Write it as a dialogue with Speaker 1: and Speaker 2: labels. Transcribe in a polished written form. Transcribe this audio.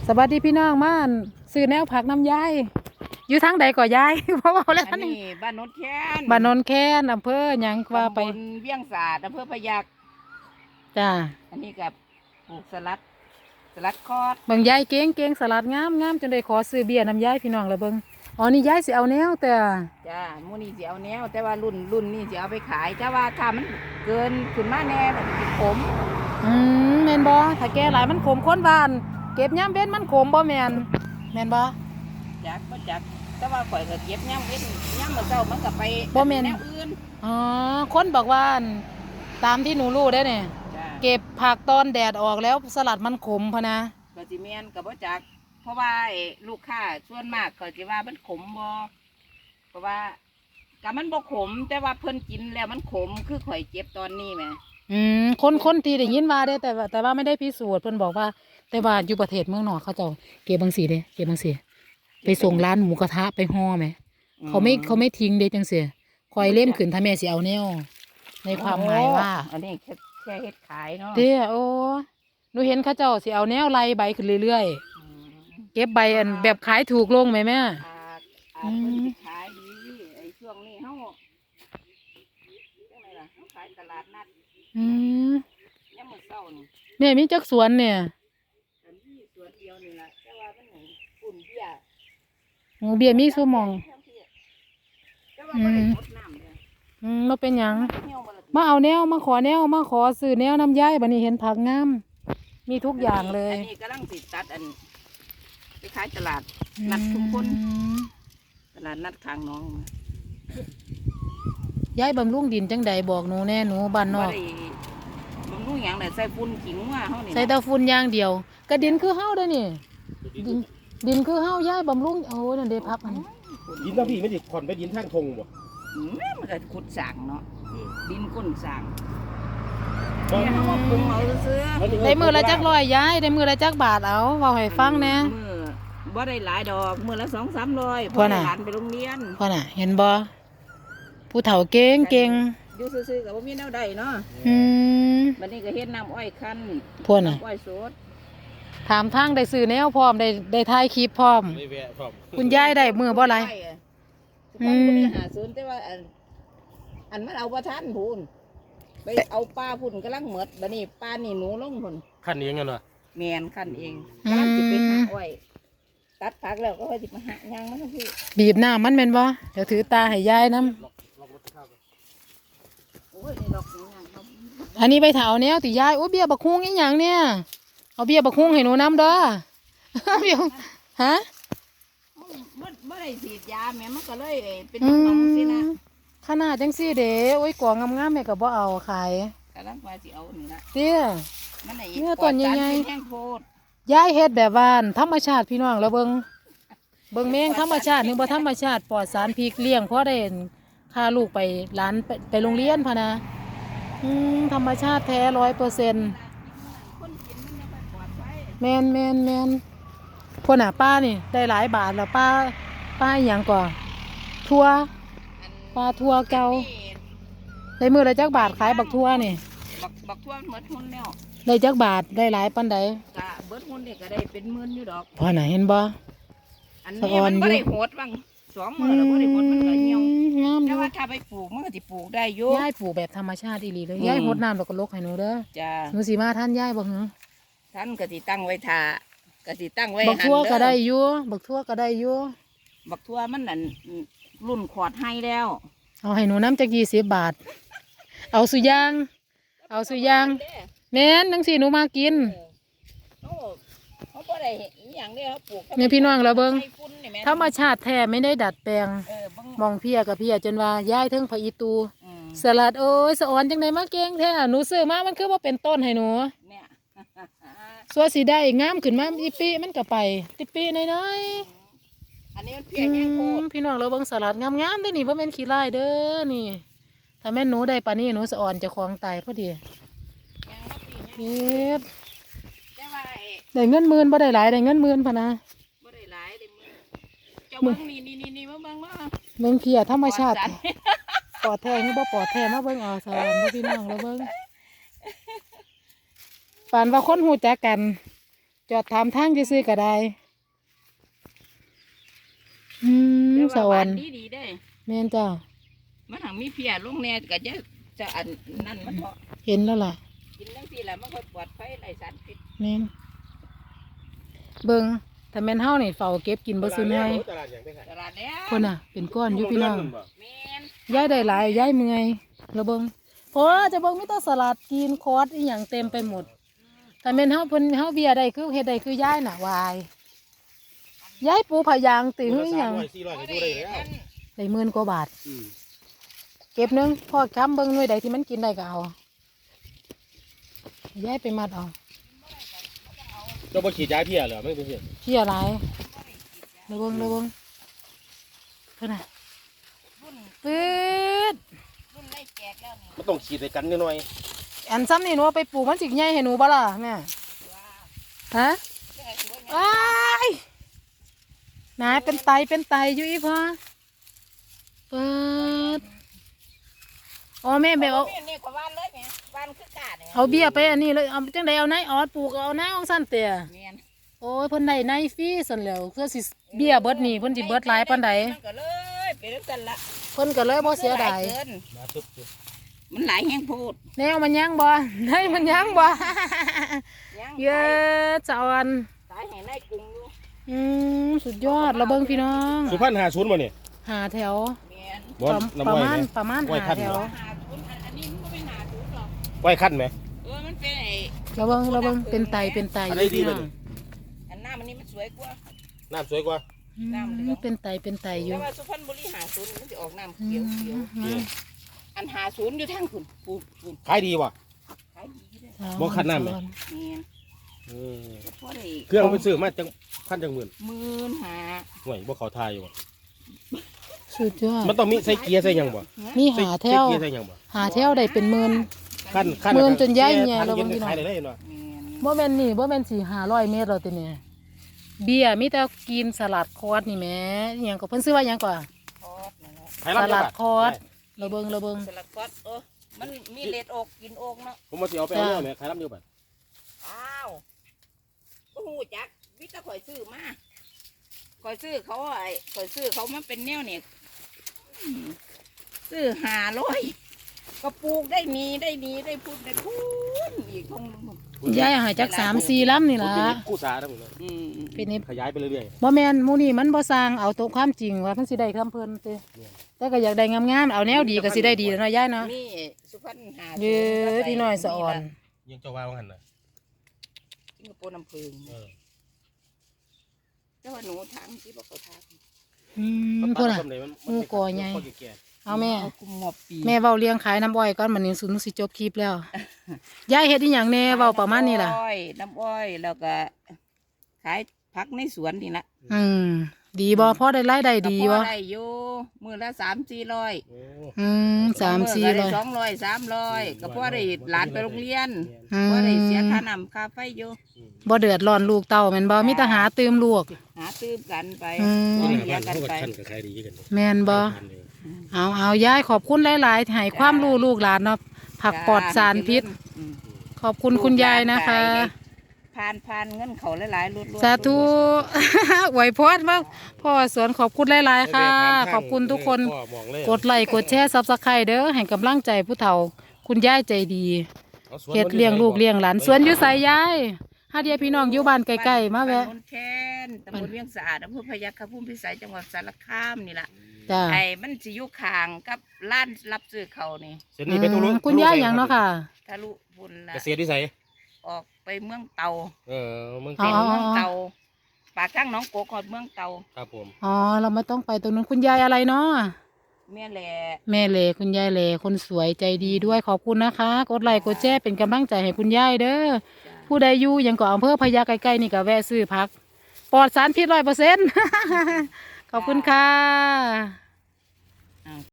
Speaker 1: สวัสดีพี่น้องมาซื้อแนวผักน้ำยายอยู่ทางใดก่อยาย เพราะว่าแล้ว
Speaker 2: อัน
Speaker 1: นี่
Speaker 2: นี้บ้านโนนแค้น
Speaker 1: บ้านโนนแค้นอำเภอหยังว่าไป
Speaker 2: ตำบลเวียงสาดอำเภอพะยัคฆ์
Speaker 1: จ้า
Speaker 2: อันนี้กับปลูกสลัดคอด
Speaker 1: เบิ่งยายเก่งเก่งสลัดงามงามจนได้ขอซื้อเบียร์น้ำยายพี่น้องแล้วเบิ่งอ๋อนี่ยายสิเอาแนวแต่
Speaker 2: จ้ามูนี่สิเอาแนวแต่ว่ารุ่นนี่สิเอาไปขายแต่ว่าถ้ามันเกินขึ้นมาแน่มันสิขม
Speaker 1: แม่นบ่ถ้าแก่หลายมันขมข้นบ้านเก็บยามเว้นมันขมบ่แม่นบ่
Speaker 2: จักแต่ว่าข่อยก็เก็บย่ำเว้นย่ำมื้อเช้ามันก็ไป
Speaker 1: บ่แม่น
Speaker 2: แนวอื่น
Speaker 1: อ๋อคนบอกว่าอั่นตามที่หนูรู้ได้เนี่ย
Speaker 2: จ้า
Speaker 1: เก็บผักตอนแดดออกแล้วสลัดมันขมพะนะ
Speaker 2: ก็สิแม่นก็บ่จักเพราะว่าไอ้ลูกค้าส่วนมากก็สิว่ามันขมบ่เพราะว่าก็มันบ่ขมแต่ว่าเพิ่นกินแล้วมันขมคือข่อยเจ็บตอนนี้แหม
Speaker 1: คนที่ได้ยินว่าได้แต่ว่าไม่ได้พิสูจน์เพิ่นบอกว่า แต่ว่าอยู่ประเทศเมืองนอกเขาเจ้าเก็บบางสีเด้เก็บบางสีไปส่งร้านหมูกระทะไปห่อไหมเขาไม่ทิ้งเด้จังเสียคอยเล่มขึ้นถ้าแม่สิเอาแนวในความหมายว่า
Speaker 2: อันนี้แค่เฮ็ดขายเนาะ
Speaker 1: เด้อโอ้หนูเห็นเขาเจ้าสิเอาแนวไล่ใบขึ้นเรื่อย
Speaker 2: อืม
Speaker 1: ๆเก็บใบอันแบบขายถูกลงไหมแม่
Speaker 2: อาจเพิ่นสิขายดีไอ้ช่วงนี้เฮาจังไดล่ะเฮาขายตลาดนัด
Speaker 1: อืม
Speaker 2: ยามมื้อเช้านี่
Speaker 1: แม่มีจักสวนเนี่ย
Speaker 2: อันนี้สวนเดียวนี่ล่ะแต่ว่ามันนี่ปุ่นเบี้ย
Speaker 1: หมูเบียร์มีสู้หมอง
Speaker 2: แต่ว่าบ่ได้รดน้ำเลย
Speaker 1: บ่เป็นหยัง
Speaker 2: เหี่ยวบ่ล่ะ
Speaker 1: มาเอาแนวมาขอแนวมาขอซื้อแนวน้ำย้ายบัดนี้เห็นผักงามมีทุกอย่างเลย
Speaker 2: อันนี้กำลังสิตัดอันไปขายตลาดนัดชุมพลตลาดนัดข้างหน้อง
Speaker 1: ย้ายบำรุงดินจังใดบอกหนูแน่หนูบ้านน
Speaker 2: บ่
Speaker 1: อก
Speaker 2: ได้บำรุงหยังน่ะใส่ฝุ่นขิงว่าเฮานี่
Speaker 1: ใส่แตะฝุ่นอย่างเดียวกระดินคือเฮาเด้อนี่ดินคือเฮาย้ายบำรุงโอ้ยนั่นเด้พักอันนี้
Speaker 3: ดินทั้งพี่ไม่ดิผ่อนไปดินทางทงบ่
Speaker 2: มันก็ขุดสร้างเนาะดินก้นสร้าง
Speaker 3: บ่
Speaker 2: เนี่ยเขามาปรุงเอาซื้อ
Speaker 1: ได้มือละจักร้อยย้ายได้มือละจักบาทเอาเว้าให้ฟังแหน่
Speaker 2: มือบ่ได้หลายดอกมือละ200-300
Speaker 1: พอน่ะ
Speaker 2: หลานไปโรงเรียน
Speaker 1: พ่อน่ะเห็นบ่ผู้เฒ่าเก่งเก่ง
Speaker 2: อยู่ซื่อๆก็บ่มีแนวใดเนาะ
Speaker 1: อืม
Speaker 2: บัดนี้ก็เฮ็ดน้ำอ้อยคั้น
Speaker 1: พ่อน่ะ
Speaker 2: น้ำอ้อยสด
Speaker 1: ถามทางได้ซื้อแนวพร้อมได้ถ่ายคลิปพร้อม
Speaker 3: ไม่แวะพร้อม
Speaker 1: คุณยายได้มือบ่หลาย
Speaker 2: อืมบ่ได้หาซื้อแต่ว่าอันมันเอาบ่ทันพูนไปเอาปลาพุ่นกำลังหมดบัดนี้ปลานี่หนูลงพุ่น
Speaker 3: ขั้นนี้ยังไงวะ
Speaker 2: แม่นคั้นเองกำลังสิไปหาอ้อยตัดผักแล้วก็ค่อยสิมาหาย่างมันทั้งพี่
Speaker 1: บีบหน้ามันแม่นบ่เดี๋ยวถือตาให้ยายนํ
Speaker 2: โอ้ยนี่ดอกนี่ย่างเขา
Speaker 1: อันนี้ไปถาวแนวติยายโอ้เบี้ยบักฮุ้งอีหยังเนี่ยเอาเบี้ยบักฮุ้งให้หนูน้ำเด้อ เบี้ยฮะ
Speaker 2: บ่ได้ฉีดยาแม่มันก็เลยเป็น
Speaker 1: อื
Speaker 2: น้องๆสินะ
Speaker 1: มขนาดจังซี่เด้โอ้ยกล่องงามๆแม่ก็บ่เอาขาย
Speaker 2: กำลังว่าสิเอานี่ละ
Speaker 1: เตี้ย
Speaker 2: มันไหน
Speaker 1: เนี่ยต้นใหญ่ๆ
Speaker 2: แห้งโพด
Speaker 1: ยายเฮ็ดแบบบ้านธรรมชาติพี่น้องแล้วเบิ่งแมงธรรมชาตินึงบ่ธรรมชาติปลอดสารพิษเลี้ยงพอได้พาลูกไปร้านไปโรงเรียนพะนะธรรมชาติแท้100%
Speaker 2: คนกินมันยังไม่ปลอดภัย
Speaker 1: แมนพวกน่ะป้านี่ได้หลายบาทแล้วป้าอหย่างก่อนทั่ว
Speaker 2: อัน
Speaker 1: ปลาทั่วเก่า
Speaker 2: นี่
Speaker 1: ได้มือละจักบาทขายบักทั่วนี่
Speaker 2: บักทั่วเมิดหุ้นแล้ว
Speaker 1: ได้จักบาทได้หลายปานใด
Speaker 2: กะเบิดหุ้นนี่ก็ได้เป็นหมื่นอยู่ดอก
Speaker 1: พอน่ะเห็นบ่
Speaker 2: อัน
Speaker 1: สะ
Speaker 2: นี้
Speaker 1: ออน
Speaker 2: มัน
Speaker 1: อยู่
Speaker 2: บ่ได้โหดบ้าง2 มื้อแล้วบ่ได้โหดมันก็เหี่ยว
Speaker 1: งามอ
Speaker 2: แต่
Speaker 1: ยู่
Speaker 2: ว่าถ้าไปปลูกมันก็สิปลูกได้อยู่
Speaker 1: ยายปลูกแบบธรรมชาติอีหลีเลย
Speaker 2: อืม
Speaker 1: ยายหดน้ำแล้วก็ลกให้หนูเด้อ
Speaker 2: จ้า
Speaker 1: หนูสิมาท่านยายบ่หือ
Speaker 2: ท่านก็สิตั้งไว้ท่าก็สิตั้งไว้
Speaker 1: บักทั่ว
Speaker 2: หั่นเอ
Speaker 1: ก็ได้อยู่บักทั่วก็ได้อยู่
Speaker 2: บักทั่วมันนั่นรุ่นขอดให้แล้ว
Speaker 1: เอาให้หนูน้ำจัก20 บาท เอาสุยาง เอาสุยางแม่นจังสิหนูมากิน
Speaker 2: เขาบ่ได้อีหยังเด้เขาปลูก
Speaker 1: เนี่ยพี่น้องเราเบิ่ง
Speaker 2: ใส่ฝุ่นนี่แม่
Speaker 1: ธรรมชาติแท้ไม่ได้ดัดแปลง
Speaker 2: เบิ่ง
Speaker 1: มองเพียกับเพียจนว่ายายเทิงพระอีตู
Speaker 2: อืม
Speaker 1: สลัดโอ้ยสะออนจังไดมาเก่งแท้หนูซื้อมามันคือว่าเป็นต้นให้หนู
Speaker 2: เนี่ย
Speaker 1: สัวสีได้งามขึ้นมาอีปีมันก็ไปติปีน้อย
Speaker 2: อันนี้มัน
Speaker 1: ๆ
Speaker 2: เพียงแค่โคตร
Speaker 1: พี่น้องเราเบิ่งสลัดงามๆเด้อนี่บ่แม่นขี้ลายเด้อนี่ ถ้าแม่นหนูได้ปานนี้หนูสะออนเจะคลองตายพอดี
Speaker 2: ยังบ่ปี
Speaker 1: เก็บ
Speaker 2: แต่ว่าไอ้
Speaker 1: ได้เงินหมื่นบ่ได้หลายได้เงินหมื่นพะนะ
Speaker 2: บ่ได้หลายเด้มือเจ้าเบิ่งนี่มาเบิ่งว่า
Speaker 1: เบิ่งเพียธรรมชาติ
Speaker 2: ปลอดสร
Speaker 1: ปลอดแท้หรือบ่ปลอดแท้มาเบิ่งเอาสลัดเด้อพี่น้องเราเบิ่งปานว่าคนฮู้จักกันจอดถามทางซื่อๆก็ได้สวรรค์
Speaker 2: ดีได้
Speaker 1: แม่นจ้า
Speaker 2: มันหังมีเพียลงแน่ก็จะอันนั่นมันเพาะ
Speaker 1: เห็นแล้วล่ะ
Speaker 2: กินจังซี่ล่ะมันค่อยปลอดภัยไร้สารพิษ
Speaker 1: แม่นเบิ่งถ้าแม่นเฮานี่เฝ้าเก็บกินบ่ซุนให้
Speaker 3: ตลาดอย่างไปขาย
Speaker 2: ตลาดแล้ว
Speaker 1: คนน่ะ เป็นก้อนอยู่พี่น้อง
Speaker 2: แม่น
Speaker 1: ย้ายได้หลายย้ายเมื่อยแล้วเบิ่งโอ้จะเบิ่งมีแต่สลัดกินคอร์สอีหยังเต็มไปหมดถ้าแม่นเฮาเพิ่นเฮาเบียร์ได้คือเฮ็ดได้คือย้ายน่ะวายย้ายปูผายางติหือหยัง
Speaker 3: 400ก็อยู่ได้แล้ว
Speaker 1: ได้หมื่นกว่าบาท เก็บหนึงพอค้ำเบิ่งหน่วยใดที่มันกินได้ก็เอาย้ายไปมัดเอา
Speaker 3: เจ้าบ่ฉีดยาเพี้ยเหรอไม่เป็นเพี้ย
Speaker 1: เพี้ยหลายระเบิ่งเพิ่นน่ะ
Speaker 2: รุ่น
Speaker 1: ปื๊ด
Speaker 2: รุ่นไล่แจกแล้วนี่
Speaker 3: มันต้องฉีดใส่กันนิดหน่อย
Speaker 1: อันซ้ำนี่หนูเอาไปปลูกมันสิใหญ่ให้หนูบ่ล่ะแม่ฮะ
Speaker 2: แค่สิว่าไง
Speaker 1: ว้ายนายเป็นไตอยู่อีพ่อเปิดอ๋อแม่แบบเอา
Speaker 2: นี่ก็ว่านเลยแม่ว่านคือกาดเนี่ย
Speaker 1: เอาเบี้ยไปอันนี้เลยเอาจังใดเอานายออดปลูกเอานายของสั้นเตี่ย
Speaker 2: แม่น
Speaker 1: โอ้ยเพิ่นได้นายฟรีสั่นแล้วเพื่อสิเบี้ยเบิดนี่เพิ่นสิเบิดหลายปานใด
Speaker 2: มันก็เลยเป็นจังซั่นละ
Speaker 1: เพิ่นก็เลยบ่เสียดาย
Speaker 2: มันหลเกิน
Speaker 3: มาตุ๊บ
Speaker 2: มันหลายแห้งโพด
Speaker 1: แนวมันยังบ่ได้มันยังบ่
Speaker 2: ยัง
Speaker 1: เยอะจอน
Speaker 2: ตายแห้งในกรุงอยู่
Speaker 1: สุดยอดเราเบิ่งพี่น้อง
Speaker 3: สุพรรณ50บ่นี่
Speaker 1: หาแถว
Speaker 2: แม่น
Speaker 3: บ่น้ำ
Speaker 1: ประ
Speaker 3: อ้อย
Speaker 1: มาณ
Speaker 3: ไหม
Speaker 1: ประมาณ
Speaker 3: ไว้
Speaker 1: หา
Speaker 3: ขั้น
Speaker 1: แถว
Speaker 3: เหรอ
Speaker 2: หาศูนย์อันนี้มันก็เป็นหาศูนย์หรอก
Speaker 3: ไว้ขั้นไหม
Speaker 2: มันเป็นไอ้
Speaker 1: เราเบิ่งเป็นไตอยู่
Speaker 3: อะไรดี
Speaker 1: พี่
Speaker 3: เล
Speaker 1: น้
Speaker 3: ย
Speaker 1: อง
Speaker 2: อันหน้ามันนี่มันสวยกว่า
Speaker 3: น้ำสวยกว่า
Speaker 1: เป็นไตอยู่
Speaker 2: แต่ว่าสุพรรณบุรีหาศูนย์มันจะออกน้ำเขียวเขียวอันหาศูนย์อยู่ทางคุณปูน
Speaker 3: ขายดีว่ะ
Speaker 2: ขายดีเลย
Speaker 3: บ่คันน้ำไหม
Speaker 2: แม่น
Speaker 3: เออ
Speaker 2: ก็พอได้
Speaker 3: เครื่องไปซื้อมาจังพันจังหมื่น
Speaker 2: 15,000
Speaker 3: ห่วยบ่เขาทายอยู่ว่ะ
Speaker 1: สุดยอด
Speaker 3: มันต้องมีใส่เกียร์ใส่หยังบ่
Speaker 1: มีหาแถว
Speaker 3: ใส่เกียร์ใส่หยังบ่
Speaker 1: หาแถวได้เป็นหมื่น
Speaker 3: ขั้น
Speaker 1: หมื่นจนย้ายแง่
Speaker 3: พัน
Speaker 1: แล้ว
Speaker 3: เย็น
Speaker 1: บางที
Speaker 3: ขายได้เลยเนาะ
Speaker 1: บ่แม่นนี่บ่แม่นสี่500 เมตรแล้วติเนี่ยเบียร์มีแต่กินสลัดคอร์สนี่แหมอหยังก็เพิ่นซื้อว่าหยังก่อน
Speaker 2: คอสนั่นแหละ
Speaker 3: ขายรับ
Speaker 1: สลัด
Speaker 3: จังบาท
Speaker 1: คอร์สเราเบิ่ง
Speaker 2: สลัดคอสมันมีเล็ดอกกินอกเนาะ
Speaker 3: ผมมาสิเอาไปเอาเนี่ยแหม่ขายรับอยู่บาท
Speaker 2: อ้าวก็หูจักวิตาข่อยซื้อมาข่อยซื้อเขามาเป็นแนวเนี่ยซื้อ500ก็ปลูกได้มีได้พูดอีกคง
Speaker 1: ยายหายจัก3-4ลำนี่ล่ะ
Speaker 3: เป็นนิดกู้สาทั้งหมดเลย
Speaker 1: เป็นนี่
Speaker 3: ขยายไปเรื่อย
Speaker 1: บ่แม่นหมู่นี่มันบ่สร้างเอาตรงความจริงว่าเพิ่นสิได้คำเพิ่นติแต่ก็อยากได้งามๆเอาแนวดีก็สิได้ดีแล้วเนาะยายเนาะ
Speaker 2: นี่สุพรรณหา
Speaker 1: เด้อพี่น้อยสะอ่อน
Speaker 3: ๆยังเจ้าว่าว่าหั่นน่ะ
Speaker 2: สิงคโปร์น้ำผึ้ง
Speaker 3: เออ
Speaker 2: แต่ว่าหนูทางที่บอกเขาทาง
Speaker 1: พุ่นน่ะ
Speaker 3: ต้นไหนมัน
Speaker 1: หมู่ก่อใหญ่
Speaker 3: ข้แก่
Speaker 1: เอาแม่
Speaker 2: กุมหมอบปี
Speaker 1: แม่เว้าเลี้ยงขายน้ำอ้อยก่อนบัดนี้สุนสิจบคลิปแล้วยายเฮ็ดอีหยังแน่เว้าประมาณนี้ล่ะ
Speaker 2: น้ำอ้อยแล้วก็ขายผักในสวนนี่ละ
Speaker 1: ดีบ่พอได้รายได้ดี
Speaker 2: ก็พ
Speaker 1: บ่
Speaker 2: อได้อยู่มือละ300-400
Speaker 3: โอ้
Speaker 1: 3-400
Speaker 2: 200-300ก็พอได้หลานไปโรงเรียน
Speaker 1: อื
Speaker 2: พอได้เสีย
Speaker 1: ม
Speaker 2: ค่าน้ำค่าไฟอยู่
Speaker 1: บ่เดือดร้อนลูกเต้าแม่นบ่มีแต่หาตื่มลูก
Speaker 2: หาตื้มกันไป
Speaker 1: อืม
Speaker 2: พอ
Speaker 3: นี่
Speaker 2: เลี้ย
Speaker 3: บ้าง น
Speaker 2: กัน
Speaker 3: เขาก็
Speaker 2: ไป
Speaker 3: ขั้นก็ขายดีกัน
Speaker 1: แม่นบ่ เอายายขอบคุณหลายๆให้ความรู้ลูกหลานเนาะผักปลอดสารพิษ
Speaker 2: อืม
Speaker 1: ขอบคุณคุณยายนะคะ
Speaker 2: ผ่านเงินเขาหลายๆรุดๆ
Speaker 1: สาธุ อวยพรมาพ่อสวนขอบคุณหลายๆค่ะ ขอบคุณทุกคน กดไลค์กดแชร์ Subscribe เด้อให้กำลังใจผู้เฒ่า คุณยายใจดีเฮ็ดเลี้ยงลูกเลี้ยงหลานสวนอยู่ไสยายหาเดียพี่น้องอยู่บ้านใกล้ๆมาแวะ
Speaker 2: ตำบลแคนตำบลเวียงสะอาดอำเภอพยัคฆภูมิพิสัยจังหวัดสารคามนี่ล่ะ
Speaker 1: จ้า
Speaker 2: ไอ้มันสิอยู่ข้างกับร้านรับซื้อเขานี่
Speaker 3: เส้นนี้เป็นตัวรู้
Speaker 1: คุณยายหยังเนาะค่ะ
Speaker 2: ทะลุพุ่นละ
Speaker 3: เกษตรวิสัย
Speaker 2: ออกไปเมืองเตา
Speaker 3: เมือง
Speaker 1: อ๋
Speaker 3: เก่า
Speaker 1: อ
Speaker 2: เมืองเตาปากทางหน้องโกกฮอดเมืองเตา
Speaker 3: ครับผม
Speaker 1: อ๋อเราไม่ต้องไปตรงนั้นคุณยายอะไรเนาะ
Speaker 2: แม่แหละ
Speaker 1: แม่เหลคุณยายเหลคนสวยใจดีด้วยขอบคุณนะคะ กดไลค์กดแชร์เป็นกำลังใจให้คุณยายเด้อ
Speaker 2: จ้ะ
Speaker 1: ผู้ใดอยู่ยังเกาะอำเภอพะยาใกล้ๆนี่ก็แวะซื้อพักปลอดสารพิษ100% ขอบคุณค่ะ